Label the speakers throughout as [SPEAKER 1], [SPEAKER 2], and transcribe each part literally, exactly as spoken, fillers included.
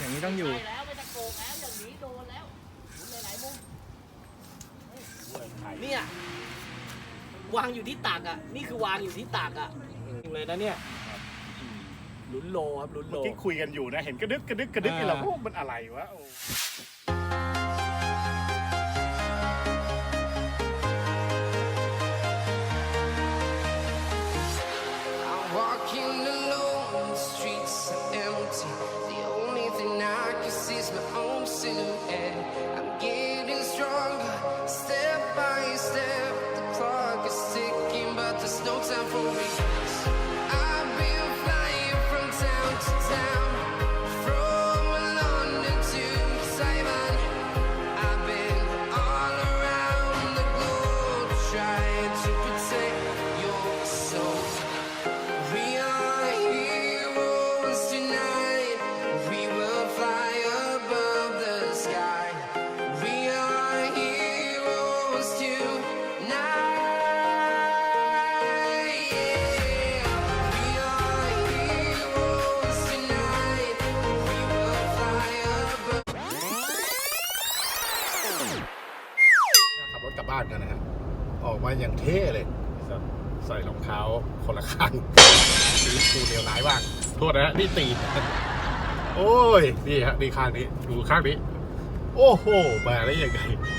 [SPEAKER 1] อย่างนี้ต้องอยู่
[SPEAKER 2] แล้วไม่ตะโกกแล้วอย่างนี้โดนแล้วหมุนหลายๆมุมเนี่ยวางอยู่ที่ตักอ่ะนี่คือวางอยู่ที่ตักอ่ะเลยนะเนี่ยลุ้นโลครับลุ้นโล
[SPEAKER 3] เมื่อกี้คุยกันอยู่นะเห็นกระดึกกระดึกกระดึกนี่เราโอ้มันอะไรวะบ้านกันนะฮะออกมาอย่างเท่เลยใส่รองเท้าคนละข้างชีวิตกูเลวร้ายบ้างโทษนะนี่ตีนโอ้ยนี่ฮะนี่ข้างนี้ดูข้างนี้โอ้โหมาได้ยังไง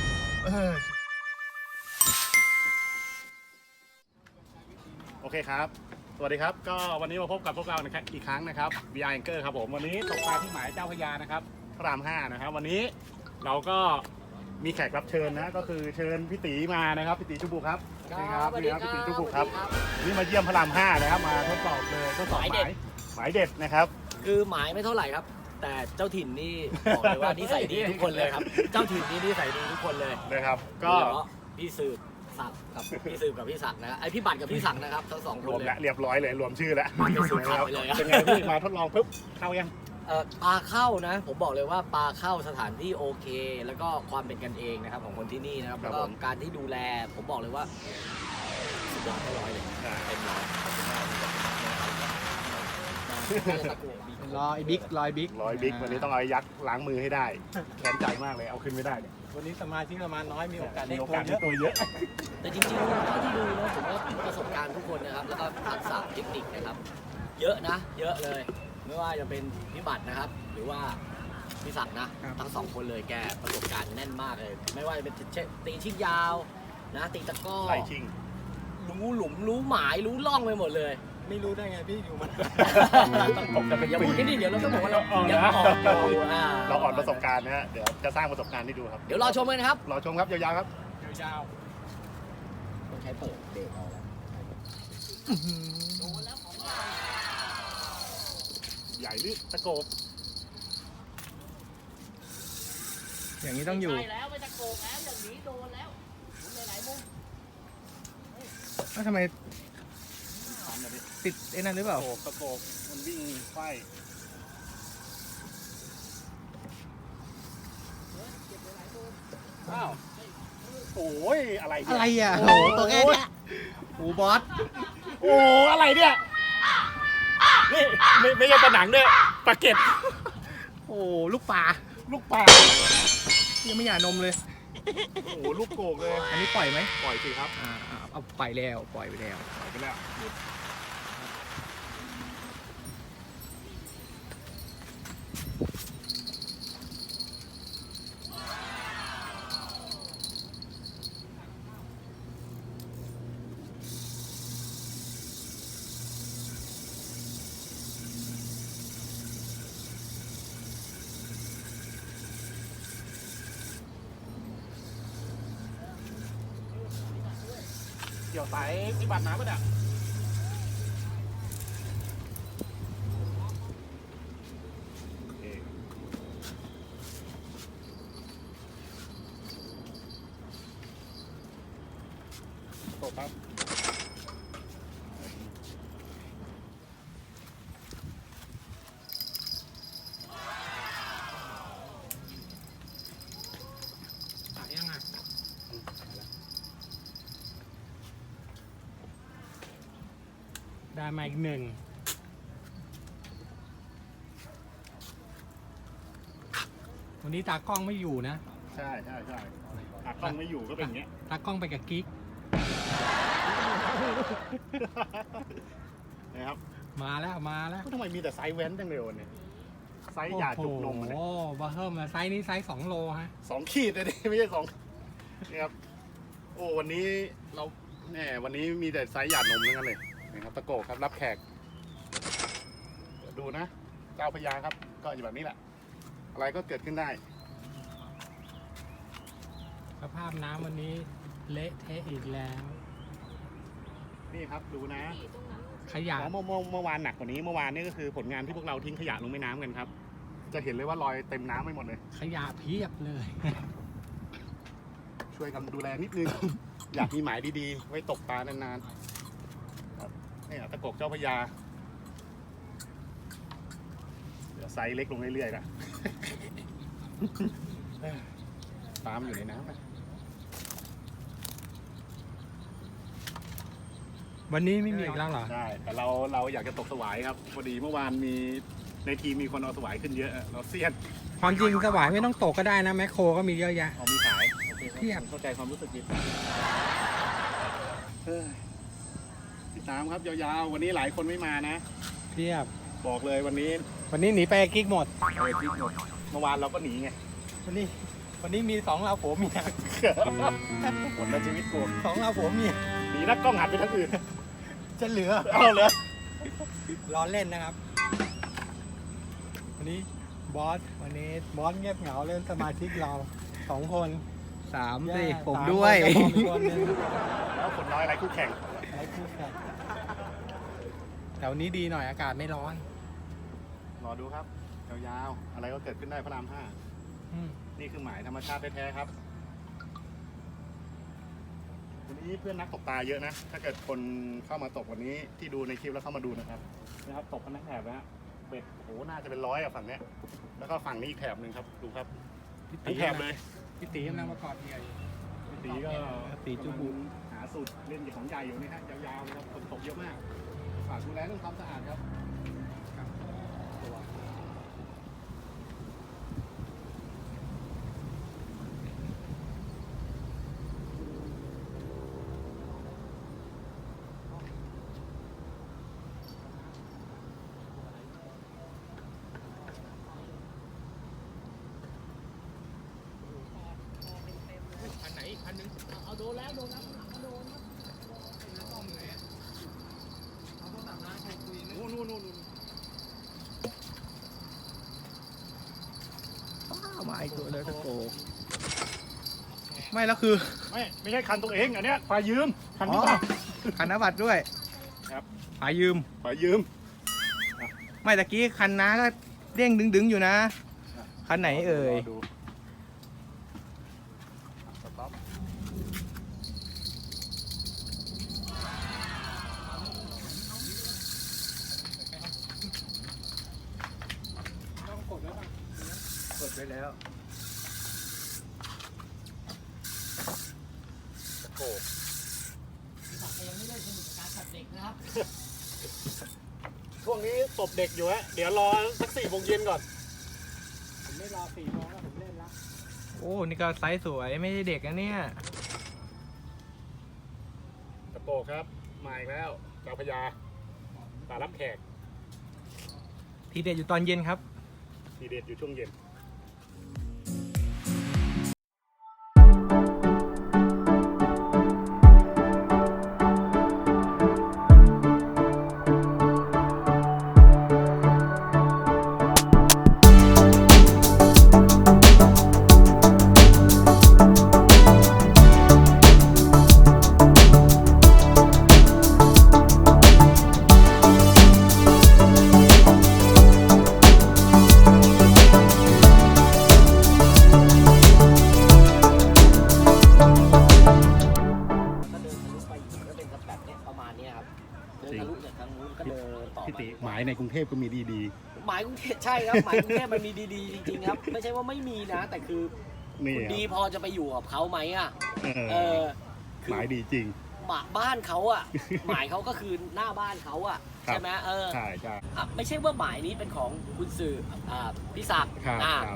[SPEAKER 3] โอเคครับสวัสดีครับก็วันนี้มาพบกับพวกเราอีกครั้งนะครับ วี อาร์ Anchor ครับผมวันนี้ตกปลาที่หมายเจ้าพระยานะครับพระรามห้านะครับวันนี้เราก็มีแขกรับเชิญนะก็คือเชิญพี่ตีมานะครับพี่ตีชุบุครับนี่ครับนี่ครับพี่ตีชุบุครับนี่มาเยี่ยมพระรามห้านะครับมาทดสอบเลยทดสอบหมายหมายเด็ดนะครับ
[SPEAKER 2] คือหมายไม่เท่าไหร่ครับแต่เจ้าถิ่นนี่บอกเลยว่านิสัยดีทุกคนเลยครับเจ้าถิ่นนี่นิสัยดีทุกคนเลย
[SPEAKER 3] นะครับก็
[SPEAKER 2] พี่สืบศักดิ์กับพี่สืบกับพี่ศักดิ์นะไอพี่บัตรกับพี่ศักดิ์นะครับทั้งสองคนเลย
[SPEAKER 3] เรียบร้อยเลยรวมชื่อแล้ว
[SPEAKER 2] มาเป็นสุดท้ายเลย
[SPEAKER 3] เป็นไงพี่มาทดลองปุ๊บเข้ายัง
[SPEAKER 2] เอ่อปลาเข้านะผมบอกเลยว่าปลาเข้าสถานที่โอเคแล้วก็ความเป็นกันเองนะครับของคนที่นี่นะครับแล้วก็การที่ดูแลผมบอกเลยว่าสุดยอดร้อยเลยเต็มร้อย
[SPEAKER 1] รอยบิ๊กรอยบิ๊ก
[SPEAKER 3] รอยบิ๊กวันนี้ต้องเอายักษ์ล้างมือให้ได้แขนใจมากเลยเอาขึ้นไม่ได้เนี่ย
[SPEAKER 1] วันนี้สมาชิกประมาณน้อยมีโอกาสได้
[SPEAKER 3] ตัวเยอะ
[SPEAKER 2] แต่จริงๆเท่าที่ดูนะผมว่าประสบการณ์ทุกคนนะครับแล้วก็ทักษะเทคนิคนะครับเยอะนะเยอะเลยไม่ว่าจะเป็นพี่บัตรนะครับหรือว่าพี่ศักดิ์นะทั้งสองคนเลยแกประสบการณ์แน่นมากเลยไม่ว่าจะเป็นตีชิ้นยาวนะตีตะก้อ
[SPEAKER 3] ไล่ชิง
[SPEAKER 2] รู้หลุมรู้หมายรู้ล่องไปหมดเลย
[SPEAKER 1] ไม่รู้ได้ไงพี่อยู่มัน
[SPEAKER 3] ผมจะเป็น
[SPEAKER 2] อย่าพูดนิดเดี๋ยวเราต้องบอกว่าเรา
[SPEAKER 3] ยังอ่อนเราอ่อนประสบการณ์นะฮะเดี๋ยวจะสร้างประสบการณ์ให้ดูครับ
[SPEAKER 2] เดี๋ยวรอชมเลยนะครับ
[SPEAKER 3] รอชมครับยาวๆครับ
[SPEAKER 1] ยาว
[SPEAKER 2] ๆต้องใช้เปิดเบรกเอาแล้วโดนแล้วของเรา
[SPEAKER 3] ใหญ่หรือตะโกบ
[SPEAKER 1] อย่างนี้ต้องอยู่
[SPEAKER 2] แล้วไม่ตะโกบแล้วอย่างนี้โดนแล้วหมุนหลายๆมุม
[SPEAKER 1] แล้วทำไมติดไอ้นั่นหรือเปล่า
[SPEAKER 3] ตะโกบมันวิ่งไฟอ้าวโอ้ยอะไร
[SPEAKER 1] อะไรอ่ะโหตัวแค่นี้โอ้บอส
[SPEAKER 3] โอ้อะไรเนี่ยนี่ไม่ไม่ใช่ปลาหนังด้วยปลาเก็บ
[SPEAKER 1] โอ้ลูกปลา
[SPEAKER 3] ลูกปลา
[SPEAKER 1] ยังไม่หย่านมเลย
[SPEAKER 3] โอ้ลูกโกกเลย
[SPEAKER 1] อันนี้ปล่อยไหม
[SPEAKER 3] ปล่อยสิครับ
[SPEAKER 1] อ่าเอาปล่อยแล้วปล่อยไปแล้ว
[SPEAKER 3] ปล่อยไปแล้วเกี่ยวสายที่บัตรน้ำป่ะเนี่ยตกครับ
[SPEAKER 1] ยังไงได้มาอีกหนึ่งวันนี้ตากล้องไม่อยู่นะ
[SPEAKER 3] ใช่ใช่ใช่ตากล้องไม่อยู่ก็เป็นอย่างเงี้ย
[SPEAKER 1] ตากล้องไปกับกิ๊ก
[SPEAKER 3] นะครับ
[SPEAKER 1] มาแล้วมาแล้ว
[SPEAKER 3] ทำไมมีแต่ไซส์แว้นจังเลยวันนี้ไซส์หยาจุกนมอะเนี่ย
[SPEAKER 1] โอ้โหบาเฮิร์มไซส์นี้ไซส์สองโลฮะ
[SPEAKER 3] สองขีดเลยดิไม่ใช่สองนี่ครับโอ้วันนี้เราแหมวันนี้มีแต่ไซส์หยาดนมทั้งนั้นเลยนะครับตะโกครับรับแขกเดี๋ยวดูนะเจ้าพญาครับก็อยู่แบบนี้แหละ อะไรก็เกิดขึ้นได้
[SPEAKER 1] สภาพน้ำวันนี้เละเทะอีกแล้ว
[SPEAKER 3] นี่ครับดูนะ
[SPEAKER 1] ขยะ
[SPEAKER 3] อ๋อเมื่อเมื่อเมื่อวานหนักกว่านี้เมื่อวานนี่ก็คือผลงานที่พวกเราทิ้งขยะลงแม่น้ำกันครับ จะเห็นเลยว่ารอยเต็มน้ำไปหมดเลย
[SPEAKER 1] ขยะเพียบเลย
[SPEAKER 3] ช่วยกันดูแลนิดนึง อยากมีหมายดีๆ ไว้ตกปลานานๆครับนี่ตะกกเจ้าพญาเดี๋ยวไซส์เล็กลงเรื่อยๆนะ ปลามันอยู่ในน้ำนะ
[SPEAKER 1] วันนี้ไม่มีอีกแล้วเหรอ
[SPEAKER 3] ใช่แต่เราเราอยากจะตกสวายครับพอดีเมื่อวานมีในทีมมีคนเอาสวายขึ้นเยอะเราเซียน
[SPEAKER 1] ความจริงสวายไม่ต้องตกก็ได้นะแมคโครก็มีเยอะแยะ
[SPEAKER 3] เอามีขายโอเค
[SPEAKER 1] เทียบ
[SPEAKER 3] เข้าใจความรู้สึกดีเฮ้ยพี่ตามครับยาวๆวันนี้หลายคนไม่มานะ
[SPEAKER 1] เพียบ
[SPEAKER 3] บอกเลยวันนี้
[SPEAKER 1] วันนี้หนีไปกับกิ๊กหมด
[SPEAKER 3] เออทิกหมดเมื่อวานเราก็หนีไง
[SPEAKER 1] วันนี้ วันนี้มีสองเราผัวเมีย
[SPEAKER 3] หมดแล้วชีวิตกู
[SPEAKER 1] สองเราผัวเมีย
[SPEAKER 3] หนีนักกล้องหันไปทางอื่น
[SPEAKER 1] จะเหลือ
[SPEAKER 3] เอาเลย
[SPEAKER 1] รอเล่นนะครับ วันนี้บอส วันนี้บอสเงียบเหงาเล่นสมาชิกเราสองคน
[SPEAKER 4] สาม
[SPEAKER 1] แย่
[SPEAKER 4] สิผม
[SPEAKER 1] สา
[SPEAKER 4] ด้วย
[SPEAKER 1] คนกับผมอีกคนนึง
[SPEAKER 3] แล้วคนน้อยอะไรคู่แข่ง
[SPEAKER 1] ไอ้คู่แข่งแต่วันนี้ดีหน่อยอากาศไม่ร้อน
[SPEAKER 3] รอดูครับยาวๆอะไรก็เกิดขึ้นได้พระรามห้า
[SPEAKER 1] อืม
[SPEAKER 3] นี่คือหมายธรรมชาติแท้ๆครับวันนี้เพื่อนนักตกปลาเยอะนะ ถ้าเกิดคนเข้ามาตกวันนี้ที่ดูในคลิปแล้วเข้ามาดูนะครับนะครับตกกันทั้งแถบนะฮะเบ็ดโอ้โหน่าจะเป็นร้อยอะฝั่งเนี้ยแล้วก็ฝั่งนี้อีกแถบหนึ่งครับดูครับ
[SPEAKER 1] พี่
[SPEAKER 3] ทั้งแถบเลย
[SPEAKER 1] พี่ตีกำลังประกอบเหยื่ออยู่
[SPEAKER 3] พี่ตีก็
[SPEAKER 1] ตีจุบุ
[SPEAKER 3] กำลังหาสูตรเล่นของใหญ่อยู่นี่ฮะยาวๆนะครับฝนตกเยอะมากฝากดูแลเรื่องความสะอาดครับตัว
[SPEAKER 1] คันไหนอีกคันนึงเอาโดนแล้วโดนแล้วเอาโดนแล้วต้องไหนเอาโทรศัพท์ร้านใครคุยนะ
[SPEAKER 3] นู่นนู่นนู่น
[SPEAKER 4] มาอีกตัวเลยตะโกไม่แล้วคือ
[SPEAKER 3] ไม่ไม่ใช่คันตัวเองอันเนี้ยฝ่ายยืมคัน
[SPEAKER 4] อ๋
[SPEAKER 3] นี้
[SPEAKER 4] อ
[SPEAKER 3] ป่ะ
[SPEAKER 4] คันนบัตรด้วย
[SPEAKER 3] ครับ
[SPEAKER 4] หายืม
[SPEAKER 3] ฝ่ายยืม
[SPEAKER 4] ไม่ตะกี้คันน้าก็เด้งดึงๆอยู่นะ คันไหนเอ่ย
[SPEAKER 3] รดูสต็อป
[SPEAKER 1] ต้องกดแล้วป่ะ
[SPEAKER 4] กดไปแล้ว
[SPEAKER 3] ตะโก
[SPEAKER 2] พี่ศักดิ์ยังไม่เล่นสนุกกับการตัดเด็กนะครับ
[SPEAKER 3] ช่วงนี้ตบเด็กอยู่ฮะเดี๋ยวรอสักสี่โมงเย็นก่อน
[SPEAKER 1] ผมไม่รอสี่โมงแล้วผมเล่นละ
[SPEAKER 4] โอ้ นี่ก็ไซส์สวยไม่ใช่เด็กนะเนี่ย
[SPEAKER 3] ตะโกครับมาอีกแล้วเจ้าพญาตารับแขก
[SPEAKER 4] ทีเด็ดอยู่ตอนเย็นครับ
[SPEAKER 3] ทีเด็ดอยู่ช่วงเย็นพี่ติหมายในกรุงเทพก็มีดี
[SPEAKER 2] หมายกรุงเทพใช่ครับหมายกรุงเทพมันมีดีๆจริงๆครับ ไม่ใช่ว่าไม่มีนะ แต่คือ
[SPEAKER 3] ๆนี่
[SPEAKER 2] คุณดีพอจะไปอยู่กับเขาไหมอ่ะ
[SPEAKER 3] เอ
[SPEAKER 2] เอ
[SPEAKER 3] อ
[SPEAKER 2] อคือ
[SPEAKER 3] หมายดีจริง
[SPEAKER 2] หมาบ้านเขาอ่ะ หมายเขาก็คือหน้าบ้านเขาอ่ะ
[SPEAKER 3] ครับ
[SPEAKER 2] ใช่ไหมเออ
[SPEAKER 3] ใช่ใช่
[SPEAKER 2] อ่ะไม่ใช่ว่าหมายนี้เป็นของคุณสื่ออ่าพี่ศักดิ์
[SPEAKER 3] ครับ
[SPEAKER 2] อ่า
[SPEAKER 3] ครับ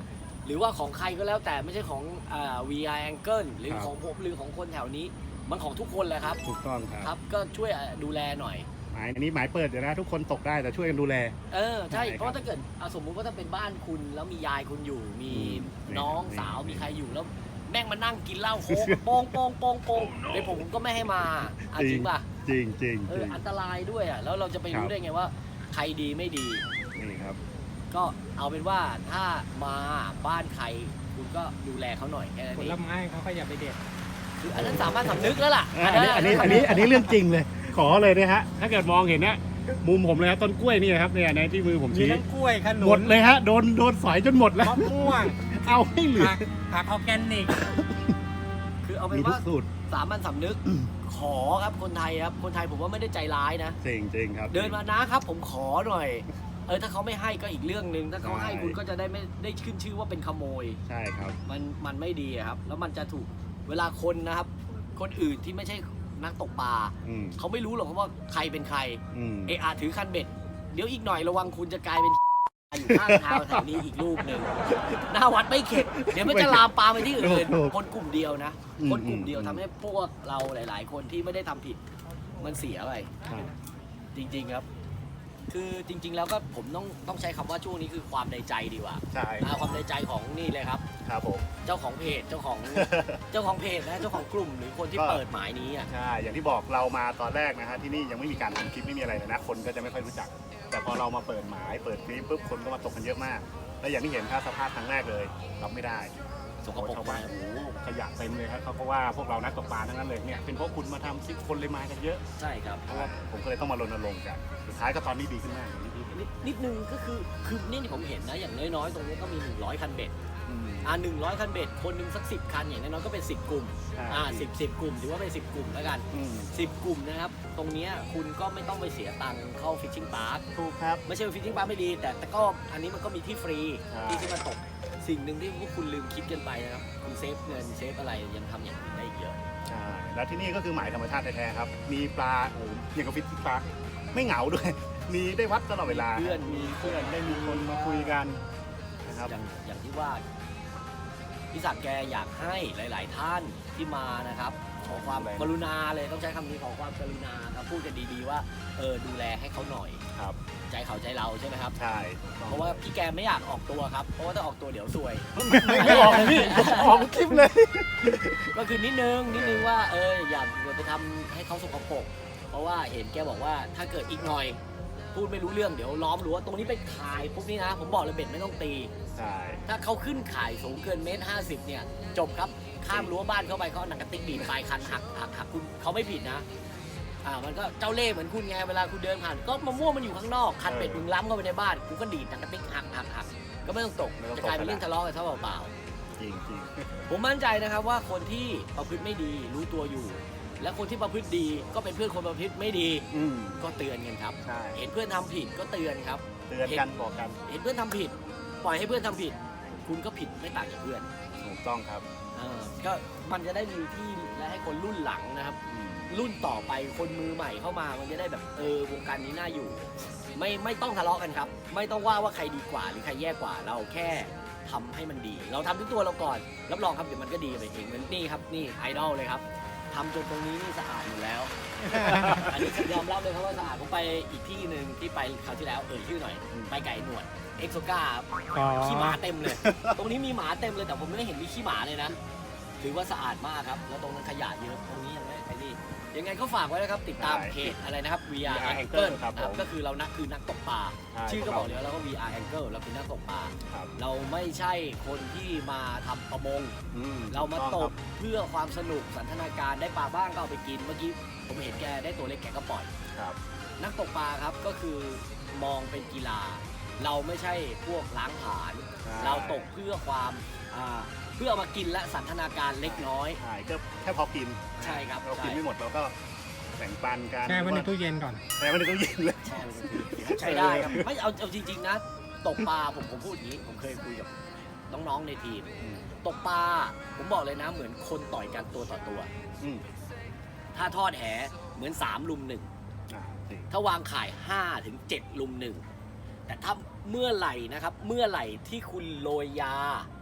[SPEAKER 2] หรือว่าของใครก็แล้วแต่ไม่ใช่ของอ่า วี อาร์ Angle หรือ
[SPEAKER 3] ครับ
[SPEAKER 2] ของผมหรือของคนแถวนี้มันของทุกคนแหละครับ
[SPEAKER 3] ถูกต้องครับ
[SPEAKER 2] ครับก็ช่วยดูแลหน่อย
[SPEAKER 3] หมายอันนี้หมายเปิดเดี๋ยวนะทุกคนตกได้แต่ช่วยกันดูแล
[SPEAKER 2] เออใช่
[SPEAKER 3] ใช่ครับ
[SPEAKER 2] เพราะถ้าเกิดอ่ะสมมุติว่าถ้าเป็นบ้านคุณแล้วมียายคุณอยู่ มี
[SPEAKER 3] อืม
[SPEAKER 2] น้อง
[SPEAKER 3] นี่
[SPEAKER 2] สาว
[SPEAKER 3] นี่
[SPEAKER 2] มีใครอยู่แล้วแม่งมานั่งกินเหล้าโค้ก โปงโปงโปงโปงเดี๋ยวผมก็ไม่ให้มาอ่ะจริงป่ะ
[SPEAKER 3] จริงจริง
[SPEAKER 2] เอ
[SPEAKER 3] จ
[SPEAKER 2] อ
[SPEAKER 3] ริง
[SPEAKER 2] อันตรายด้วยอ่ะแล้วเราจะไป
[SPEAKER 3] ครั
[SPEAKER 2] รู้
[SPEAKER 3] บ
[SPEAKER 2] ได้ไงว่าใครดีไม่ดี
[SPEAKER 3] นี่ครับ
[SPEAKER 2] ก็เอาเป็นว่าถ้ามาบ้านใครคุณก็ดูแลเขาหน่อยแค่นั้น
[SPEAKER 1] ผ
[SPEAKER 2] เอ
[SPEAKER 1] ล
[SPEAKER 2] ง
[SPEAKER 1] ไม้เขาก็อย่าไปเด็ด
[SPEAKER 2] คืออันนั้นสามารถสำนึกแล้วล่ะ
[SPEAKER 3] อันนี้อันนี้อันนี้อันนี้เรื่องจริงเลย ขอเลยนะฮะถ้าเกิดมองเห็นเนี่ยมุมผมเลยครับต้นกล้วยนี่นะครับเนี่ยในที่มือผม
[SPEAKER 1] มี
[SPEAKER 3] ชี้
[SPEAKER 1] ทั้งกล้วยขนุน
[SPEAKER 3] หมดเลยฮะโดนโดนสอยจนหมดแล้ว
[SPEAKER 1] มะม่วง
[SPEAKER 3] เอาให้เหลือ
[SPEAKER 1] ผักผักออร์แกนิก
[SPEAKER 2] คือเอาเป็
[SPEAKER 3] มี
[SPEAKER 2] น
[SPEAKER 3] ทุ
[SPEAKER 2] ว่าก
[SPEAKER 3] สูตร
[SPEAKER 2] สามัญสำนึกขอครับคนไทยครับคนไทยผมว่าไม่ได้ใจร้ายนะ
[SPEAKER 3] จริงจริงครับ
[SPEAKER 2] เดินมานะครับผมขอหน่อย เออถ้าเขาไม่ให้ก็อีกเรื่องหนึ่งถ้าเขาให้
[SPEAKER 3] ใช่
[SPEAKER 2] คุณก็จะได้ไม่ได้ขึ้นชื่อว่าเป็นขโมย
[SPEAKER 3] ใช่ครับ
[SPEAKER 2] มันมันไม่ดีอะครับ แล้วมันจะถูกเวลาคนนะครับ คนอื่นที่ไม่ใช่นักตกปลา
[SPEAKER 3] อืม
[SPEAKER 2] เขาไม่รู้หรอกว่าใครเป็นใคร
[SPEAKER 3] อืม
[SPEAKER 2] เออาถือคันเบ็ด เดี๋ยวอีกหน่อยระวังคุณจะกลายเป็น อยู่ข้างทางแถวนี้อีกรูปหนึ่งหน้าวัดไม่เข็ด เดี๋ยวมันจะลามปามไปที่อื่น คนกลุ่มเดียวนะ คนกลุ่มเดียวทำให้พวกเราหลาย ๆ คนที่ไม่ได้ทำผิด มันเสียไป
[SPEAKER 3] ครับ
[SPEAKER 2] จริง ๆครับ คือจริง ๆ แล้วก็ผมต้องต้องใช้คำว่าช่วงนี้คือความในใจดีกว่า
[SPEAKER 3] ใช่
[SPEAKER 2] อ่าความในใจของนี่เลยครับ
[SPEAKER 3] ครับผม
[SPEAKER 2] เจ้าของเพจเจ้าของ เจ้าของเพจนะเจ้าของกลุ่มหรือคนที่
[SPEAKER 3] ก็
[SPEAKER 2] เปิดหมายนี้อ่ะ
[SPEAKER 3] ใช่อย่างที่บอกเรามาตอนแรกนะฮะที่นี่ยังไม่มีการทำคลิปไม่มีอะไรเลยนะคนก็จะไม่ค่อยรู้จัก แต่พอเรามาเปิดหมายเปิดคลิปปุ๊บคนก็มาตกกันเยอะมาก และอย่างที่เห็นค่าสภาพครั้งแรกเลยรับไม่ได้
[SPEAKER 2] สกปรก
[SPEAKER 3] ชาวบ้านโอ้โหขยะเต็มเลยครับเขาก็ว่าพวกเรานักตกปลาทั้งนั้นเลยเนี่ยเป็นเพราะคุณมาทำคลิปคนเลยมากันเยอะ
[SPEAKER 2] ใช่ครับ
[SPEAKER 3] เพราะว่าผมก็เลยต้องมารณรงค์กันสุดท้ายก็ตอนนี้ดีขึ้นมากอย่างที่พี่เห็น
[SPEAKER 2] นิดนิดนึงก็คือคือนี่ที่ผมเห็นนะอย่างน้อยๆ ตรงนี้ก็มีหนึ่งร้อยคันเบ็ด
[SPEAKER 3] อืม
[SPEAKER 2] อ่าหนึ่งร้อยคันเบ็ดคนหนึ่งสักสิบคันอย่างน้อยๆก็เป็นสิบกลุ่ม
[SPEAKER 3] ใช่
[SPEAKER 2] อ่าสิบสิบกลุ่มถือว่าเป็นสิบกลุ่มแล้วกัน
[SPEAKER 3] อืม
[SPEAKER 2] สิบกลุ่มนะครับตรงเนี้ยคุณก็ไม่ต้องไปเสียตังค์เข้าฟิชชิ่งพาร์ค
[SPEAKER 3] ถูกครับ
[SPEAKER 2] ไม่ใช่ว่าฟิชชิ่งพาร์คไม่ดี แต่แต่ก็อันนี้มันก็มีที่ฟรี
[SPEAKER 3] ใช่
[SPEAKER 2] ที่จะมาตกสิ่งหนึ่งที่พวกคุณลืมคิดกันไปนะครับคุณเซฟเงินเซฟอะไรยังทำอย่างอื่นได้อีกเยอะ
[SPEAKER 3] ใช่แล้วที่นี่ก็คือหมายธรรมชาติแท้ๆครับ มีปลาโอ้โหอย่างกับฟิชชิ่งปลาไม่เหงาด้วย มีได้วัดตลอดเวลา
[SPEAKER 2] เพื่อน
[SPEAKER 3] มีเพื่อนได้มีคนมาคุยกันนะครับ
[SPEAKER 2] อย่างอย่างที่ว่าพี่ศักดิ์แกอยากให้หลาย ๆ ท่านที่มานะครับ ขอความกรุณาเลยต้องใช้คำนี้ขอความกรุณาครับพูดกันดีๆว่าเออดูแลให้เขาหน่อย
[SPEAKER 3] ครับ
[SPEAKER 2] ใจเขาใจเราใช่ไหมครับ
[SPEAKER 3] ใช่
[SPEAKER 2] เพราะว่าพี่แกไม่อยากออกตัวครับเพราะว่าถ้าออกตัวเดี๋ยวซวย
[SPEAKER 3] ไม่ไม่ออกเลยพี่ออกคลิปเลย
[SPEAKER 2] ก็คือนิดนึงนิดนึงว่าเอออย่าไปทำให้เขาสกปรกเพราะว่าเห็นแกบอกว่าถ้าเกิดอีกหน่อย พูดไม่รู้เรื่องเดี๋ยวล้อมรั้วตรงนี้เป็นขายพวกนี้นะ ผมบอกเลยเบ็ดไม่ต้องตี
[SPEAKER 3] ใช่
[SPEAKER 2] ถ้าเขาขึ้นขายสูงเกินเมตรห้าสิบเนี่ยจบครับข้ามรั้วบ้านเข้าไปเขาเอาหนังกระติกบีบปลายคันหักหักหักคุณเขาไม่ผิดนะอ่ามันก็เจ้าเล่ห์เหมือนคุณไงเวลาคุณเดินผ่านก็มะม่วงมันอยู่ข้างนอกคันเป็ดมึงล้ำเข้าไปในบ้านกูก็ดีดหนังกระติกหักหักหักก็ไม่ต้องตกจะกลายเป็นเรื่องทะเลาะกันเท่าเปล่า
[SPEAKER 3] จริงจริง
[SPEAKER 2] ๆผมมั่นใจนะครับว่าคนที่ประพฤติไม่ดีรู้ตัวอยู่ และคนที่ประพฤติดีก็เป็นเพื่อนคนประพฤติไม่ดี
[SPEAKER 3] อืม
[SPEAKER 2] ก็เตือนกันครับ
[SPEAKER 3] ใช่
[SPEAKER 2] เห็นเพื่อนทำผิดก็เตือนครับ
[SPEAKER 3] เตือนกันบอกกัน
[SPEAKER 2] เห็นเพื่อนทำผิด ปล่อยให้เพื่อนทำผิด คุณก็ผิดไม่ต่างจากเพื่อน
[SPEAKER 3] ถูกต้องครับ
[SPEAKER 2] เออก็มันจะได้มีที่และให้คนรุ่นหลังนะครับ
[SPEAKER 3] อืม
[SPEAKER 2] รุ่นต่อไปคนมือใหม่เข้ามามันจะได้แบบเออวงการนี้น่าอยู่ ไม่ไม่ต้องทะเลาะกันครับ ไม่ต้องว่าว่าใครดีกว่าหรือใครแย่กว่าเราแค่ทำให้มันดี เราทำด้วยตัวเราก่อนรับรองครับเดี๋ยวมันก็ดีไปเองเหมือนนี่ครับนี่ไอดอลเลยครับทำจนตรงนี้นี่สะอาดอยู่แล้ว อันนี้ยอมรับเลยครับว่าสะอาดผมไปอีกที่หนึ่งที่ไปคราวที่แล้วเอ่ยชื่อหน่อยไปไก่หนวดเอ็กโซกาขี้หมาเต็มเลย ตรงนี้มีหมาเต็มเลยแต่ผมไม่เห็นมีขี้หมาเลยนะถือว่าสะอาดมากครับแล้วตรงนั้นขยะเยอะตรงนี้ยังไม่ไปนี่ยังไงก็ฝากไว้นะครับติดตามเพจอะไรนะครับ วี อาร์ Angle
[SPEAKER 3] ครับผม
[SPEAKER 2] ก็คือเรานักคือนักตกปลา
[SPEAKER 3] ใช่
[SPEAKER 2] ชื่อก็บอกแล้วแล้วก็ วี อาร์ Angle เราคือนักตกปลา
[SPEAKER 3] ครับ
[SPEAKER 2] เราไม่ใช่คนที่มาทำประมง
[SPEAKER 3] อื
[SPEAKER 2] เรามา
[SPEAKER 3] ถู
[SPEAKER 2] ต
[SPEAKER 3] อง
[SPEAKER 2] กเพื่อความสนุกสันทนาการได้ปลาบ้างก็เอาไปกินเมื่อกี้ผมเห็นแกได้ตัวเล็กแกก็ปล่อย
[SPEAKER 3] ครับ
[SPEAKER 2] นักตกปลาครับก็คือมองเป็นกีฬา เราไม่ใช่พวกล้างผลาญ
[SPEAKER 3] ใช่
[SPEAKER 2] เราตกเพื่อความอ่าเพื่อเอามากินและสันทนาการเล็กน้อย
[SPEAKER 3] ใช่ก็แค่พอกิน
[SPEAKER 2] ใช่ครับ
[SPEAKER 3] เรากิน
[SPEAKER 2] ใช่
[SPEAKER 3] ไม่หมดเราก็แบ่งปันกัน
[SPEAKER 1] แช่ไว้ในตู้เย็นก่อน
[SPEAKER 3] แช่ไว้ในตู้เย็นเลย
[SPEAKER 2] ใช่ใช้ได้ครับไม่เอาเอาจริงๆนะ ตกปลาผมผมพูดอย่างนี้ ผมเคยคุยกับน้องๆในทีม
[SPEAKER 3] อืม
[SPEAKER 2] ตกปลาผมบอกเลยนะเหมือนคนต่อยกันตัวต่อตัว
[SPEAKER 3] อืม
[SPEAKER 2] ถ้าทอดแหเหมือนสามลุมหนึ่ง
[SPEAKER 3] อ่าจริง
[SPEAKER 2] ถ้าวางข่ายห้าถึงเจ็ดลุมหนึ่งแต่ถ้าเมื่อไหร่นะครับ เมื่อไหร่ที่คุณโรยยา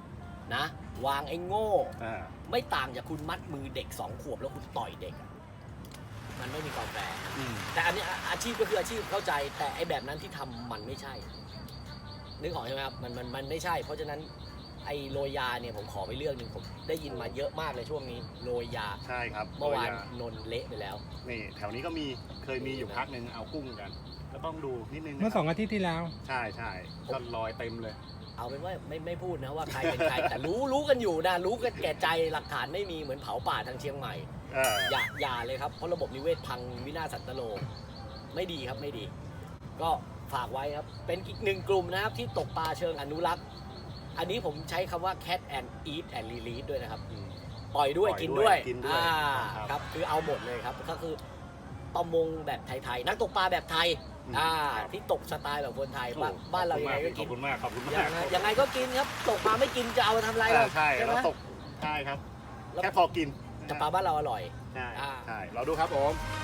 [SPEAKER 2] นะ วางไอ้โง่
[SPEAKER 3] อ่า
[SPEAKER 2] ไม่ต่างจากคุณมัดมือเด็กสองขวบแล้วคุณต่อยเด็กอะมันไม่มีความแฟร์
[SPEAKER 3] อืม
[SPEAKER 2] แต่อันนี้อาอาชีพก็คืออาชีพเข้าใจ แต่ไอ้แบบนั้นที่ทำมันไม่ใช่ นึกออกใช่ไหมครับมันมันมันไม่ใช่ เพราะฉะนั้นไอ้โรยยาเนี่ยผมขอไปเรื่องหนึ่งผมได้ยินมาเยอะมากเลยช่วงนี้โรยยา
[SPEAKER 3] ใช่ครับ
[SPEAKER 2] เมื่อวาน
[SPEAKER 3] โรยย
[SPEAKER 2] นนเละไปแล้ว
[SPEAKER 3] นี่แถวนี้ก็มีเคยมีอยู่พักหนึ่งเอากุ้งกัน ก็ต้องดูนิดนึงนะ
[SPEAKER 4] เมื่อ
[SPEAKER 3] ค
[SPEAKER 4] ส
[SPEAKER 3] รั
[SPEAKER 4] อบ งอาทิตย์ที่แล้ว
[SPEAKER 3] ใช่ใช่ก็ลอยเต็มเลย
[SPEAKER 2] เอาเป็นว่าไม่ไม่พูดนะว่าใครเป็นใคร แต่รู้รู้กันอยู่นะรู้กันแก่ใจหลักฐานไม่มีเหมือนเผาป่าทางเชียงใหม่
[SPEAKER 3] เออ
[SPEAKER 2] อย่าอย่าเลยครับเพราะระบบนิเวศพังวินาศสันตโลไม่ดีครับไม่ดี ก็ฝากไว้ครับเป็นอีกหนึ่งกลุ่มนะครับที่ตกปลาเชิงอนุรักษ์ อันนี้ผมใช้คำว่า cat and eat and release ด้วยนะครับ
[SPEAKER 3] อืม
[SPEAKER 2] ปล่อยด้วย
[SPEAKER 3] ปล่อย
[SPEAKER 2] กิน
[SPEAKER 3] ด้
[SPEAKER 2] ด้
[SPEAKER 3] ว
[SPEAKER 2] วย ย
[SPEAKER 3] กินด้วย
[SPEAKER 2] อ่า
[SPEAKER 3] ครับ
[SPEAKER 2] ครับคือเอาหมดเลยครับก็คือประมงแบบไทยๆนักตกปลาแบบไทย
[SPEAKER 3] อืม
[SPEAKER 2] อ่า
[SPEAKER 3] ครับ
[SPEAKER 2] ที่ตกสไตล์แบบคนไทย
[SPEAKER 3] โอ้
[SPEAKER 2] บ้านบ้านเรายังไงก็
[SPEAKER 3] ข
[SPEAKER 2] กิ
[SPEAKER 3] อน บคุณมากขอบคุณ
[SPEAKER 2] ยั
[SPEAKER 3] มาก
[SPEAKER 2] งไงยังไงก็กินครับตกปลาไม่กินจะเอามาทำอะไร
[SPEAKER 3] เอ
[SPEAKER 2] ล่ะ
[SPEAKER 3] อใช่
[SPEAKER 2] ไหม
[SPEAKER 3] เราตกใช่ครับ
[SPEAKER 2] แล้ว
[SPEAKER 3] แค่พอกิน
[SPEAKER 2] แต่ปลาบ้านเราอร่อย
[SPEAKER 3] ใช่
[SPEAKER 2] อ่า
[SPEAKER 3] ใช่เราดูครับผม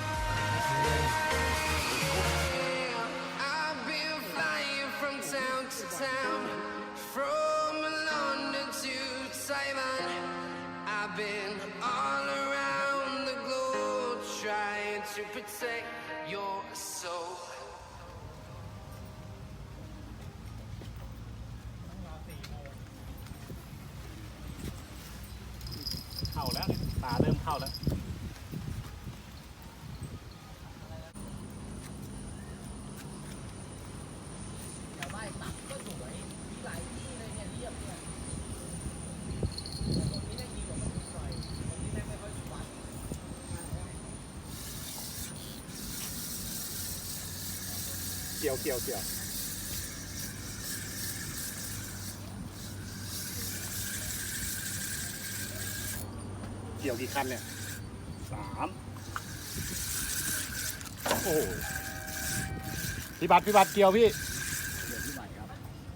[SPEAKER 5] I've been flying from town to town, from London to Taiwan. I've been all around the globe trying to protect your soul.
[SPEAKER 3] เข้าแล้วตาเริ่มเข้าแล้ว
[SPEAKER 2] แต่ว่าตักก็สวยมีหลายที่เลยเนี่ยเรียบเนี่ยตรงนี้ได้ดีกว่าตรงนี้หน่อยตรงนี้แม่งไม่ค่อยวัด
[SPEAKER 3] เกี่ยวเกี่ยวเกี่ยวเกี่ยวกี่คันเนี่ยสามโอ้โหพี่บัตรพี่บัตรเกี่ยวพี่
[SPEAKER 2] เดี๋ยวที่ใหม่ครับ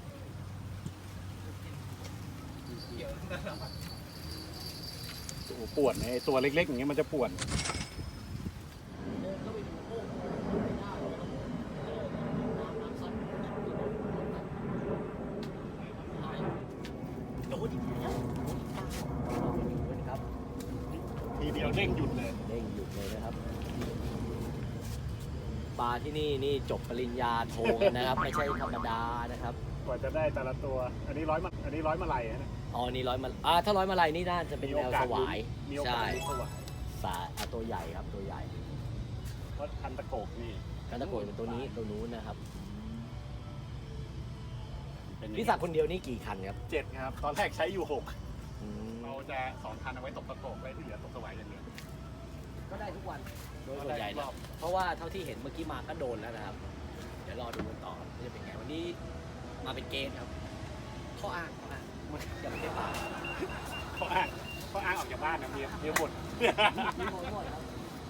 [SPEAKER 3] โอ้โหปวดเนี่ยไอ้ตัวเล็กๆอย่างเงี้ยมันจะปวด
[SPEAKER 2] เดินเข้าไปดูโอ้โหไม่ได้เลยน้ำน้ำซัดโดนอีกแล้วครับ
[SPEAKER 3] ทีเดียวเด้งหยุดเลย
[SPEAKER 2] เด้งหยุดเลยนะครับปลาที่นี่นี่จบปริญญาโทกันนะครับ ไม่ใช่ธรรมดานะครับ
[SPEAKER 3] กว่าจะได้แต่ละตัว อันนี้ร้อยมาอันนี้ร้อยมาลัยนะ
[SPEAKER 2] อ๋อนี่ร้อยมาอ่าถ้าร้อยมาลัยนี่น่าจะเป็นแนวสวาย
[SPEAKER 3] มีโอกา
[SPEAKER 2] ใช่
[SPEAKER 3] สลุ้นสวาย
[SPEAKER 2] สายอ่ะตัวใหญ่ครับตัวใหญ่
[SPEAKER 3] เพราะพันตะโกกนี่
[SPEAKER 2] กันตะโกนเป็นตัวนี้ตัวนู้นนะครับ
[SPEAKER 3] เป็น
[SPEAKER 2] พี่ศักดิ์คนเดียวนี่กี่คันครับ
[SPEAKER 3] เจ็ดครับ ตอนแรกใช้อยู่หก
[SPEAKER 2] อืม
[SPEAKER 3] เราจะสองคันเอาไว้ตกตะโกกไว้ที่เหลือตกสวายอย่างเดียว
[SPEAKER 2] ก็ได้ทุกวันโดยส่วนใหญ่นะเพราะว่าเท่าที่เห็นเมื่อกี้มาก็โดนแล้วนะครับ เดี๋ยวรอดูกันต่อว่าจะเป็นไงวันนี้มาเป็นเกณฑ์ครับข้ออ้างข้ออ้างอย่าไปเก็บปาก
[SPEAKER 3] เขาอ้างเขาอ้างออกจากบ้านนะเมียเมียบ่น
[SPEAKER 2] มีหมดหมดครับ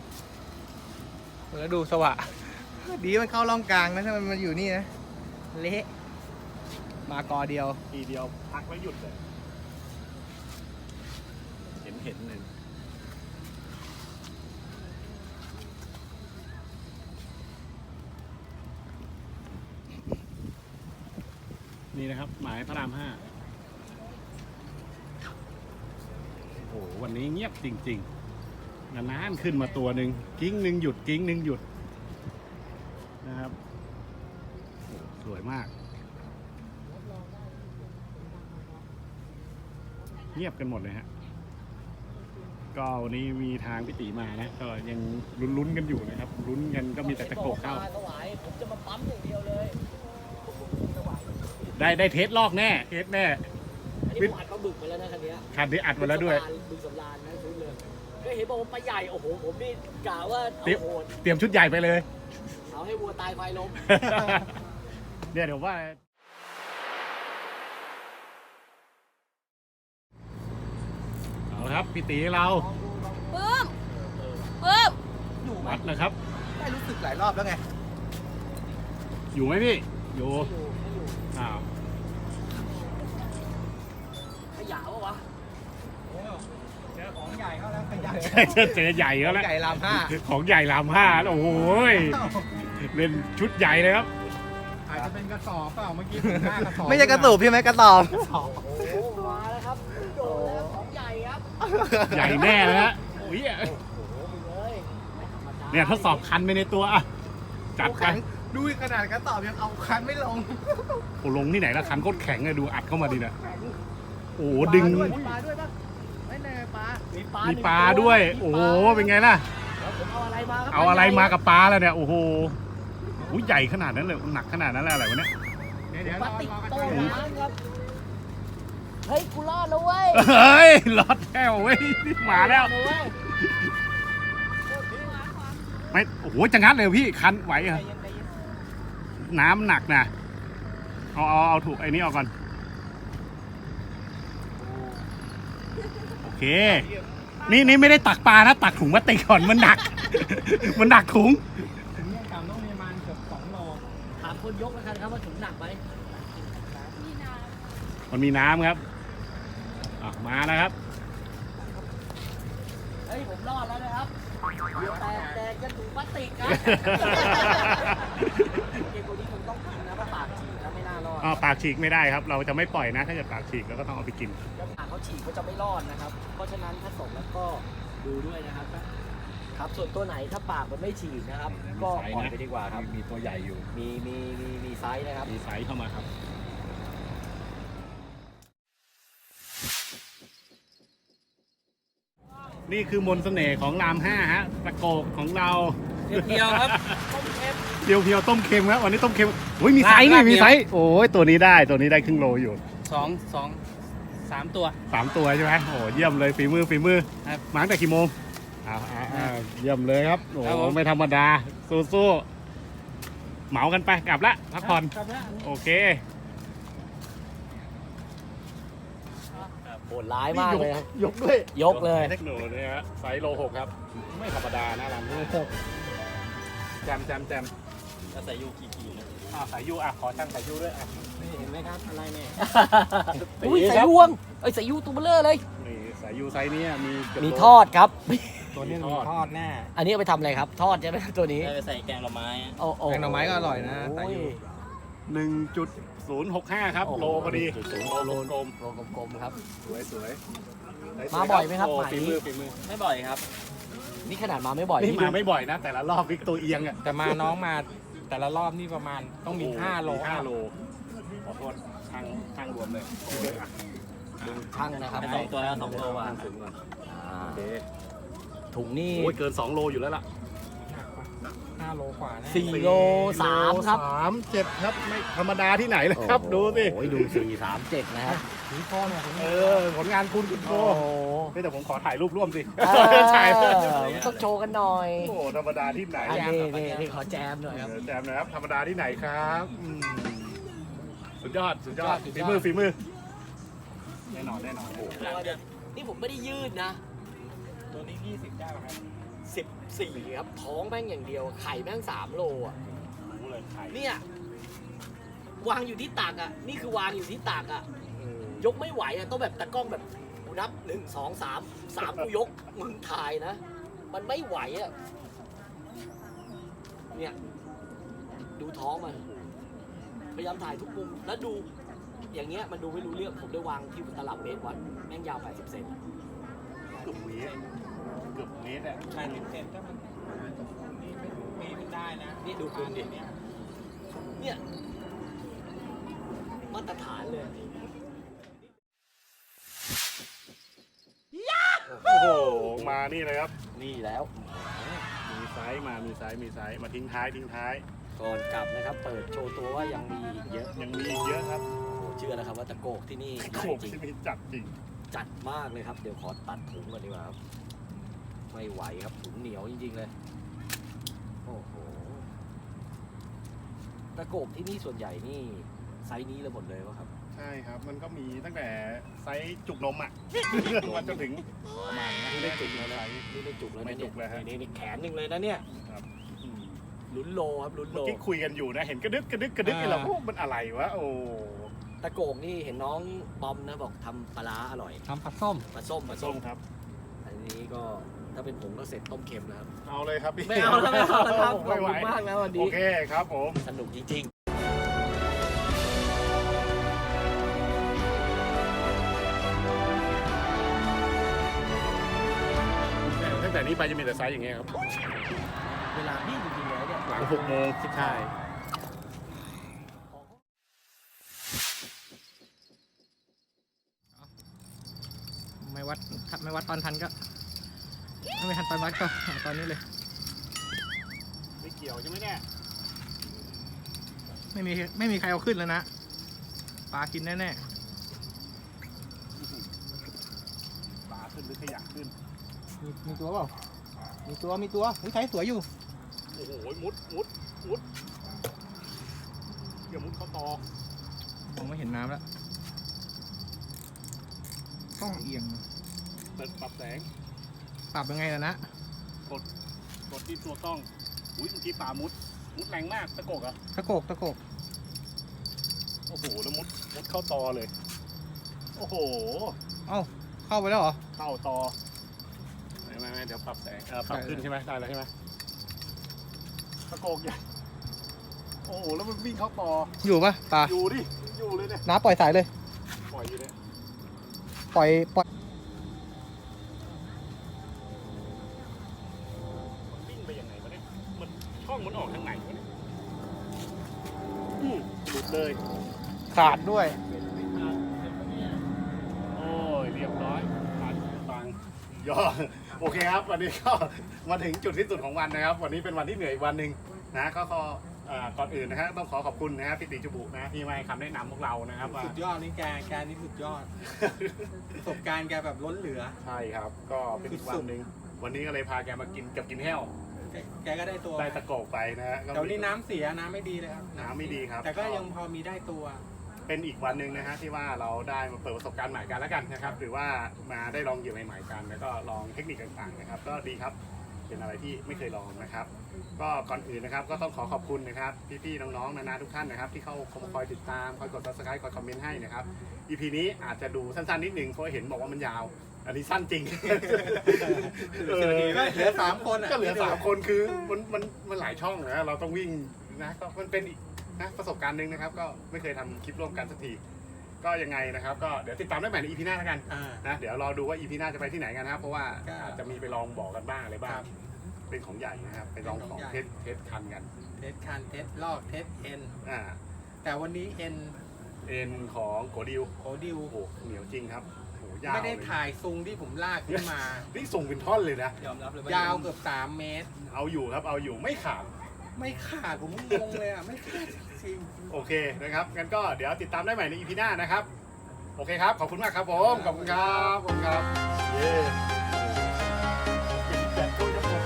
[SPEAKER 4] แล้วดูสวะ ดีมันเข้าร่องกลางนะถ้ามันมาอยู่นี่นะ เละ มากอเดียว
[SPEAKER 3] ทีเดียวพักแล้วหยุดเลย เห็นเห็นเลยนี่นะครับ หมายพระรามห้าโอ้โหวันนี้เงียบจริงๆนานๆขึ้นมาตัวหนึ่งกิ้งหนึ่งหยุดกิ้งหนึ่งหยุดนะครับโอ้โหสวยมาก เงียบกันหมดเลยฮะ ก็วันนี้มีทางพิติมานะ ก็ยังลุ้นๆกันอยู่นะครับ ลุ้นกันก็มีแต่ตะโกกเข้า
[SPEAKER 2] ถวายผมจะมาปั๊มอย่างเดียวเลย
[SPEAKER 3] ได้ได้เทสลอกแน่ เทสแน่
[SPEAKER 2] อันนี้ผมอัดปลาบึกไปแล้วนะคันเนี้ย
[SPEAKER 3] คันนี้อัดมาแล้วด้วย
[SPEAKER 2] บึกสำรานนะชุดเลยก็เห็นบอกว่าปลาใหญ่โอ้โหผมนี่กะว่า
[SPEAKER 3] เตรียม
[SPEAKER 2] เอาโหด
[SPEAKER 3] เตรียมชุดใหญ่ไปเลย
[SPEAKER 2] เอาให้วัวตายควายล้ม
[SPEAKER 3] เนี่ยเดี๋ยวว่า เอาละครับพี่ตีเรา
[SPEAKER 6] ปึ้มปึ้ม
[SPEAKER 4] อยู่ไหม
[SPEAKER 3] วัดนะครับ
[SPEAKER 4] ได้รู้สึกหลายรอบแล้วไง
[SPEAKER 3] อยู่ไหมพี่ อยู่
[SPEAKER 2] ไม่อยู่ไม่อยู่
[SPEAKER 3] อ้าว
[SPEAKER 2] ขยะวะวะ
[SPEAKER 4] เจอของใหญ่เขาแล้วขยัน
[SPEAKER 3] เจอใหญ่แล้วแหละ
[SPEAKER 4] ใหญ่ลามห้า
[SPEAKER 3] ของใหญ่ลามห้าโอ้โหยเล่นชุดใหญ่เลยครับ
[SPEAKER 1] อาจจะเป็นกระสอบเปล่าเมื่อกี้ถึงหน้ากระสอบ
[SPEAKER 4] ไม่ใช่กระสูบใช่ไหมกระสอบ
[SPEAKER 2] โอ้โหมาแล้วครับครับโดนแล้วของใหญ่ครับ
[SPEAKER 3] ใหญ่แน่เลยฮะอุ้ย
[SPEAKER 2] โอ้โหไปเลยไม่ธรรมดา
[SPEAKER 3] เนี่ยทดสอบคันไปในตัวอ่ะจัดไป
[SPEAKER 4] ดูขนาดกระสอบยังเอาคันไม่ลง
[SPEAKER 3] โอ้ลงที่ไหนละคันโคตรแข็งเลยดูอัดเข้ามาดีนะโอ้โหดึง
[SPEAKER 4] ปลาด้วยปลาด้วยปะไม่แน่ปลา
[SPEAKER 2] มีปลา
[SPEAKER 3] มี
[SPEAKER 2] มี
[SPEAKER 3] ปลาด้วย โอ้โหเป็นไงล่ะ
[SPEAKER 2] ผมเอาอะไรมาครับ
[SPEAKER 3] เอาอะไรมากับปลาแล้วเนี่ยโอ้โหอุ้ยใหญ่ขนาดนั้นเลยหนักขนาดนั้นเลยอะไรวะเนี่ย
[SPEAKER 4] เดี๋ยวเดี๋ยว
[SPEAKER 2] ป
[SPEAKER 4] ร
[SPEAKER 2] ลา
[SPEAKER 4] อ
[SPEAKER 2] ติก
[SPEAKER 4] รอกระ
[SPEAKER 2] โต
[SPEAKER 4] จาย
[SPEAKER 2] น้ำครับเฮ้ยกูรอดแล้วเว้ย
[SPEAKER 3] เฮ้ยรอดแล้วเว้ยมาแล้ว
[SPEAKER 2] รอดเย
[SPEAKER 3] ไม่โอ้โหจะงัดเลยพี่คันไหวเหรอน้ำหนักนะเอาเอาเอาถูกไอ้นี้ออกก่อนโอเค นี่นี่ไม่ได้ตักปลานะตักถุงพลาสติกก่อนมันหนัก มันหนักถุง
[SPEAKER 4] ถึงเนี่ยกำต้องมีประมาณเกือบสองโล
[SPEAKER 2] ถามคนยกแล้วกันครับว่าถุงหนักไหม
[SPEAKER 3] มันมีน้ำครับอ่ะมานะครับ
[SPEAKER 2] เฮ้ยผมรอดแล้วนะครับแต่แต่จะถุงพลาสติกครับเกมตัวนี้ผมต้องกินนะเพราะปากฉีกแล้วไม่น่ารอด
[SPEAKER 3] อ๋อปากฉีกไม่ได้ครับ เราจะไม่ปล่อยนะ ถ้าเกิดปากฉีกเราก็ต้องเอาไปกิน
[SPEAKER 2] แล้วปากเขาฉีกเขาจะไม่รอดนะครับ เพราะฉะนั้นถ้าส่งแล้วก็ดูด้วยนะครับ ครับส่วนตัวไหนถ้าปากมันไม่ฉีกนะครับ ก็ปล่อยไปดีกว่าครับ
[SPEAKER 3] มีตัวใหญ่อยู่
[SPEAKER 2] มีมีมีมีไซส์นะครับ
[SPEAKER 3] มีไซส์เข้ามาครับ นี่คือมนต์เสน่ห์ของรามห้าฮะตะโกกของเรา
[SPEAKER 2] เดียวครับต้มเค็ม
[SPEAKER 3] เพียวเพียวๆต้มเค็มครับวันนี้ต้มเค็มอุ้ยมีไซส์นี่
[SPEAKER 4] ลาบ
[SPEAKER 3] มี
[SPEAKER 4] เนี่ย
[SPEAKER 3] ไซส์โอ้ยตัวนี้ได้ตัวนี้ได้ครึ่งโลอยู่
[SPEAKER 4] สองสองสามตัว
[SPEAKER 3] สามตัวใช่ไหมโอ้เยี่ยมเลยฝีมือฝีมือ
[SPEAKER 4] ครับ
[SPEAKER 3] มาตั้งแต่กี่โมงอ้าวอ้าวอ้าวเยี่ยมเลยครับโอ้
[SPEAKER 4] ครับผม
[SPEAKER 3] ไม่ธรรมดาสู้สู้ๆเหมากันไปกลับละพักผ่อน
[SPEAKER 4] ครับนะ
[SPEAKER 3] โอเค
[SPEAKER 2] โหดร้ายมากเลยครับ
[SPEAKER 3] ยกด้วย
[SPEAKER 2] ยกเลย
[SPEAKER 3] เทคโนโลยีฮะไซส์โลหกครับ ไม่ธรรมดานะรันแจมแจมแจม
[SPEAKER 2] จะใส่ยูกี่กี่นะ
[SPEAKER 3] อ่าสายยูอ่ะขอช่างสายยูด้วยอ่ะ
[SPEAKER 4] นี่เห็นไหมครับอะไรเนี่ย
[SPEAKER 2] อุ้ยใส่ยวงเอ้ยใส่ยูตัวเบลเลอร์เลย
[SPEAKER 3] นี่สายยูไซส์เนี้ยมีเกืบ
[SPEAKER 2] มี
[SPEAKER 3] โล
[SPEAKER 2] ทอดครับ
[SPEAKER 4] ตัวนี้มีทอดแน่
[SPEAKER 2] อันนี้เอาไปทำอะไรครับ ทอดใช่ไหมตัวนี้
[SPEAKER 1] ไปใส่แกงหน่อไม้
[SPEAKER 2] โอ้โ
[SPEAKER 4] แกงหน่อไม้ก็อร่อยนะใส่ยู
[SPEAKER 3] หนึ่งจุดศูนย์หกห้าครับ
[SPEAKER 2] โอ้โห
[SPEAKER 3] โลพอดี
[SPEAKER 2] ศูนย์
[SPEAKER 3] โล
[SPEAKER 2] โล
[SPEAKER 3] กลม
[SPEAKER 2] โลกลมๆครับ
[SPEAKER 3] ๆสวยสวย
[SPEAKER 2] มาบ่อยไหมครับ
[SPEAKER 3] โอ้
[SPEAKER 2] หมาย
[SPEAKER 3] ฝีมือฝีมือ
[SPEAKER 1] ไม่บ่อยครับ
[SPEAKER 2] นี่ขนาดมาไม่บ่อย
[SPEAKER 3] นี่
[SPEAKER 2] นี่
[SPEAKER 3] มาไม่บ่อยนะ แต่ละรอบวิกตัวเอียงอ่ะ
[SPEAKER 4] แต่มาน้องมาแต่ละรอบนี่ประมาณต้องมี
[SPEAKER 3] โโ
[SPEAKER 4] ห้าโล
[SPEAKER 3] มีห้าโลขอโทษช่างช่างรวมเลยโอเคอ่ะ
[SPEAKER 2] ดูช่างนะครับ
[SPEAKER 1] สองตัวแล้วสองโลอ่ะ
[SPEAKER 3] ถึงก่อน
[SPEAKER 2] อ่า
[SPEAKER 3] โอเค
[SPEAKER 2] ถุงนี่
[SPEAKER 3] โอ้ยเกินสองโลอยู่แล้วล่ะ
[SPEAKER 4] ห้าโลกว่าแน่
[SPEAKER 2] สี่โลสามครับ
[SPEAKER 3] สามเจ็ดครับไม่ธรรมดาที่ไหนเลยครับ ดูสิ
[SPEAKER 2] โอ้ยดูสี่สามเจ็ดนะครับ
[SPEAKER 4] ถึงคอเนี่ยผม
[SPEAKER 3] เออผลงานคุณคุณโต
[SPEAKER 2] โอ้โห
[SPEAKER 3] เฮ้ยแต่ผมขอถ่ายรูปร่วมสิ
[SPEAKER 2] เออ
[SPEAKER 3] ถ่าย
[SPEAKER 2] มันต้องโชว์กันหน่อย
[SPEAKER 3] โอ้ธรรมดาที่ไหน
[SPEAKER 2] อันนี้นี่นี่ขอแจมหน่อยครับ
[SPEAKER 3] เออแจมนะครับ ธรรมดาที่ไหนครับอืมสุดยอด สุดยอด
[SPEAKER 4] สุดย
[SPEAKER 3] ฝี
[SPEAKER 4] อด
[SPEAKER 3] มือฝีมือ แน่นอนแน่นอนโอ้
[SPEAKER 2] นี่ผมไม่ได้ยืดนะ
[SPEAKER 4] ตัวนี้ยี่สิบได้ไหมครับ
[SPEAKER 2] สิบสี่ครับ ท้องแม่งอย่างเดียว ไข่แม่งสามโลอ่ะ
[SPEAKER 3] รู้เลยไข่
[SPEAKER 2] เนี่ย วางอยู่ที่ตักอ่ะ นี่คือวางอยู่ที่ตักอ่ะ ยกไม่ไหวอ่ะ ต้องแบบตะกล้องแบบกูนับหนึ่งสองสามสามกูยก มึงถ่ายนะ มันไม่ไหวอ่ะ เนี่ย ดูท้องมัน พยายามถ่ายทุกมุม แล้วดู อย่างเงี้ยมันดูไม่รู้เรื่อง ผมได้วางที่ตลับเมตรวัดแม่งยาวแปดสิบเซน
[SPEAKER 3] เกือบเมตรเกือบเมตรอ่ะ
[SPEAKER 4] ใช่สิบเซนก็มันนี่ไม่ไม่ได้นะ
[SPEAKER 2] นี่ดูคุณดิ
[SPEAKER 4] เนี่ย
[SPEAKER 2] เนี่ย มาตรฐานเลย
[SPEAKER 3] โอ้โห มานี่เลยครับ
[SPEAKER 2] นี่แล้ว
[SPEAKER 3] มีไซส์มา มีไซส์ มีไซส์ มาทิ้งท้าย ทิ้งท้าย
[SPEAKER 2] ก่อนกลับนะครับ เปิดโชว์ตัวว่ายังมีอีกเยอะ
[SPEAKER 3] ยังมีอีกเยอะครับ
[SPEAKER 2] โอ้เชื่อนะครับว่าตะโกกที่นี่ให
[SPEAKER 3] โข
[SPEAKER 2] ญ่
[SPEAKER 3] ก
[SPEAKER 2] จริง
[SPEAKER 3] ที่มีจัดจริง
[SPEAKER 2] จัดมากเลยครับ เดี๋ยวขอตัดถุงก่อนดีกว่าครับ ไม่ไหวครับถุงเหนียวจริงๆเลย โอ้โห ตะโกกที่นี่ส่วนใหญ่นี่ไซส์นี้เลยหมดเลยวะครับ
[SPEAKER 3] ใช่ครับ มันก็มีตั้งแต่ไซส์จุกนมอ่ะ มาจนถึงประมาณนี้
[SPEAKER 2] นี่ได้จุกแล้วนะนี่ได้จุกแล้วนะ
[SPEAKER 3] ไม่จุ
[SPEAKER 2] เนี่ย
[SPEAKER 3] กเลยฮะ
[SPEAKER 2] นี่นี่แขนหนึ่งเลยนะเนี่ย
[SPEAKER 3] ครับ
[SPEAKER 2] ลุ้นโลครับลุ้นโล
[SPEAKER 3] เมื่อกี้คุยกันอยู่นะ เห็นกระดึกกระดึกกระดึกนี่เราโอ้มันอะไรวะ โอ้
[SPEAKER 2] ตะโกกนี่เห็นน้องบอมนะบอกทำปลาร้าอร่อย
[SPEAKER 4] ทำผัดส้ม
[SPEAKER 2] ปลาส้มปลา
[SPEAKER 3] ส้
[SPEAKER 2] ส้
[SPEAKER 3] ม
[SPEAKER 2] ม
[SPEAKER 3] ครับ
[SPEAKER 2] อันนี้ก็ถ้าเป็นผมก็เสร็จต้มเค็มนะครับ
[SPEAKER 3] เอาเลยครับพี่
[SPEAKER 2] ไม่เอาแล้วไม่เอาแล้วครับขอบ
[SPEAKER 3] ไม่ไหว
[SPEAKER 2] คุณมากนะวัน
[SPEAKER 3] โอ
[SPEAKER 2] นี้
[SPEAKER 3] เคครับผม
[SPEAKER 2] สนุกจริงๆ
[SPEAKER 3] นี้ไปจะมีแต่ไซส์อย่างเงี้ยครับ
[SPEAKER 4] เวลาพี่จริงๆแล้วเนี่ย
[SPEAKER 3] หลังหกโมงใช่
[SPEAKER 4] ไม่วัดไม่วัดตอนทันก็ไม่ทันตอนวัดก็หาตอนนี้เลย
[SPEAKER 3] ไม่เกี่ยวใช่ไหมเนี่ย
[SPEAKER 4] ไม่มีไม่มีใครเอาขึ้นแล้วนะปลากินแน่
[SPEAKER 3] ปลาขึ้นหรือขยะขึ้น
[SPEAKER 4] ๆมีมีตัวเปล่ามีตัวมีตัวอุ้ยไซส์สวยอยู่
[SPEAKER 3] โอ้โหมุดมุดมุดเดี๋ยวมุดเข้าตอ
[SPEAKER 4] มองไม่เห็นน้ำแล้วต้องเอียง
[SPEAKER 3] เปิดปรับแสง
[SPEAKER 4] ปรับยังไงล่ะนะ
[SPEAKER 3] กดกดที่ตัวกล้องอุ้ยเมื่อกี้ปลามุดมุดแรงมากตะโกกอะ
[SPEAKER 4] ตะโกกตะโกก
[SPEAKER 3] โอ้โหแล้วมุดมุดเข้าตอเลย โอ้โห
[SPEAKER 4] เอ้าเข้าไปแล้วเหรอ
[SPEAKER 3] เข้าตอไม่ไม่ไม่เดี๋ยวปรับแสงเออปรับขึ้นใช่ไหมได้แล้วใช่ไหมตะโกกใหญ่โอ้โหแล้วมันวิ่งเข้าตอ
[SPEAKER 4] อยู่ปะปลา
[SPEAKER 3] อยู่ดิอยู่เลยเนี่ย
[SPEAKER 4] น้าปล่อยสายเลย
[SPEAKER 3] ปล่อยอยู่เนี่ย
[SPEAKER 4] ปล่อยปล่อย
[SPEAKER 3] มันวิ่งไปยังไงวะเนี่ยมันช่องมันออกทางไหนวะเนี่ยอืมหลุดเลย
[SPEAKER 4] ขาดด้วย
[SPEAKER 3] โอ้ยเรียบร้อยขาดตังค์ย่อโอเคครับ วันนี้ก็มาถึงจุดที่สุดของวันนะครับ วันนี้เป็นวันที่เหนื่อยอีกวันหนึ่งนะก็ขอเอ่อก่อนอื่นนะฮะต้องขอขอบคุณนะครับพี่ติจุบุนะที่มาให้คำแนะนำพวกเรานะครับว่า
[SPEAKER 1] สุดยอดนี่แกแกนี่สุดยอด ประสบการณ์แกแบบล้นเหลือ
[SPEAKER 3] ใช่ครับ ก็เป็นอีกวันหนึ่งวันนี้ก็เลยพาแกมากินกับกินแห้ว
[SPEAKER 1] แกแกก็ได้ตัว
[SPEAKER 3] ได้ตะโกกไปนะฮะก็
[SPEAKER 1] แต่วันนี้น้ำเสียน้ำไม่ดีเลยครับ
[SPEAKER 3] น้ำไม่ดีครับ
[SPEAKER 1] แต่ก็ยังพอมีได้ตัว
[SPEAKER 3] เป็นอีกวันหนึ่งนะฮะที่ว่าเราได้มาเปิดประสบการณ์ใหม่กันแล้วกันนะครับหรือว่ามาได้ลองเหยื่อใหม่ๆกัน แล้วก็ลองเทคนิคต่างๆนะครับ ก็ดีครับเป็นอะไรที่ไม่เคยลองนะครับ ก็ก่อนอื่นนะครับก็ต้องขอขอบคุณนะครับพี่ๆน้องๆนานาทุกท่านนะครับที่เข้าคอยติดตามคอยกด ซับสไครบ์ คอยคอมเมนต์ให้นะครับ อี พี นี้อาจจะดูสั้นๆนิดนึงเพราะเห็นบอกว่ามันยาว อันนี้สั้นจริง เออ
[SPEAKER 1] ก็เหลือสามคนอะ
[SPEAKER 3] ก็เหลือสามคนคือมันมันมันหลายช่องนะเราต้องวิ่งนะก็มันเป็นอีกนะประสบการณ์หนึ่งนะครับ ก็ไม่เคยทำคลิปร่วมกันสักทีก็ยังไงนะครับ ก็เดี๋ยวติดตามได้ใหม่ใน อี พี หน้าแล้วกัน
[SPEAKER 1] อ่า
[SPEAKER 3] นะเดี๋ยวรอดูว่า อี พี หน้าจะไปที่ไหนกันนะครับเพราะว่า
[SPEAKER 1] ก็
[SPEAKER 3] อาจจะมีไปลองบอกกันบ้างอะไรบ้า
[SPEAKER 1] ค
[SPEAKER 3] ง
[SPEAKER 1] รับ
[SPEAKER 3] เป็นของใหญ่นะครับไปลองของ
[SPEAKER 1] เป็นของใหญ่
[SPEAKER 3] เทสเทสคันกัน
[SPEAKER 1] เทสคันเทสลอกเทสเอ็น
[SPEAKER 3] อ่า
[SPEAKER 1] แต่วันนี้เอ็น
[SPEAKER 3] เอ็นของโกดิว
[SPEAKER 1] โคดิว
[SPEAKER 3] โอ้โหเหนียวจริงครับโอ้โหยาว
[SPEAKER 1] ไม่ได้
[SPEAKER 3] เลย
[SPEAKER 1] ถ่ายซุงที่ผมลากขึ้นมา
[SPEAKER 3] นี่ส่งเป็นท่อนเลยนะ
[SPEAKER 4] ยอมรับเลย
[SPEAKER 1] ยาวเกือบสามเมตร
[SPEAKER 3] เอาอยู่ครับเอาอยู่ไม่ขาด
[SPEAKER 1] ไม่ขาดผมงงเลยอ่ะ ไม่ขาดจริง
[SPEAKER 3] โอเคนะครับงั้นก็เดี๋ยวติดตามได้ใหม่ใน อี พี หน้านะครับโอเคครับขอบคุณมากครับผมขอบคุณครับขอบคุณครับเย้แบตตู้จะหมด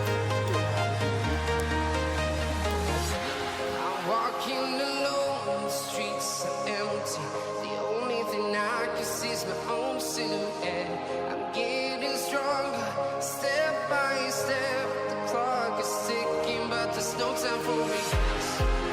[SPEAKER 5] I'm walking alone, the streets are empty. The only thing I can see is my own silhouette. I'm getting stronger, step by step. The clock is ticking, but there's no time for me.